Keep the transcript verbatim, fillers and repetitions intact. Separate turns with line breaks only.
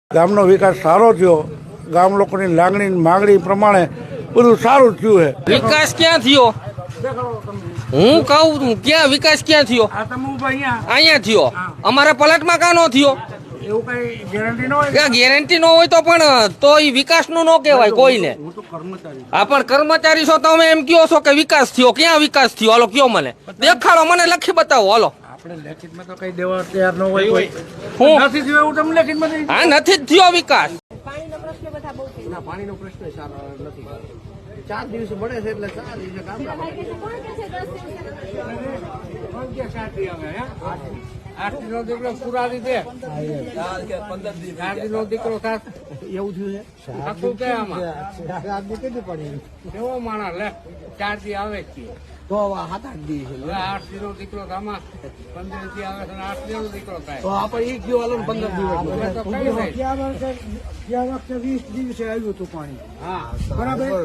ગામનો વિકાસ સારો થયો, ગામ લોકોની લાગણી માંગણી પ્રમાણે બધું સારું થયું છે.
વિકાસ ક્યાં થયો? હું કહું ક્યાં વિકાસ ક્યાં થયો? અહીંયા થયો. અમારા પલટમાં કાં નો થયો?
એવું કઈ ગેરંટી ન હોય.
ક્યાં ગેરંટી ન હોય તો પણ તો એ વિકાસ નું ન કહેવાય કોઈને. હા પણ કર્મચારી છો તમે એમ કયો છો કે વિકાસ થયો? ક્યાં વિકાસ થયો? હાલો કયો મને દેખાડો, મને લખી બતાવો. હાલો
આપણે લેખિતમાં તો કઈ દેવા તૈયાર ન હોય કોઈ.
હું
નથી થયું એવું તમને લેખિતમાં દઈ.
હા નથી જ થયો વિકાસ.
પાણીનો પ્રશ્ન બધા બહુ છે.
ના, પાણીનો પ્રશ્ન સારો નથી. ચાર દિવસે મળે છે એટલે ચાર દિવસે કામ
કોણ કહે છે દસ દિવસે?
આઠ નો દીકરો પૂરા રીતે ચાર નો દીકરો થાત એવું થયું છે. આખું કે આમાં કેટલી પડી કેવો માણસ લે ચાર દી આવે છે તો સાત આઠ દી છે. આઠ દી નો દીકરો આમાં પંદર દી આવે છે, આઠ દી નો દીકરો થાય તો આપણે એક ગયો હાલો પંદર દિવસ ગયા વખતે વીસ દિવસે આવ્યું હતું પાણી. હા બરાબર.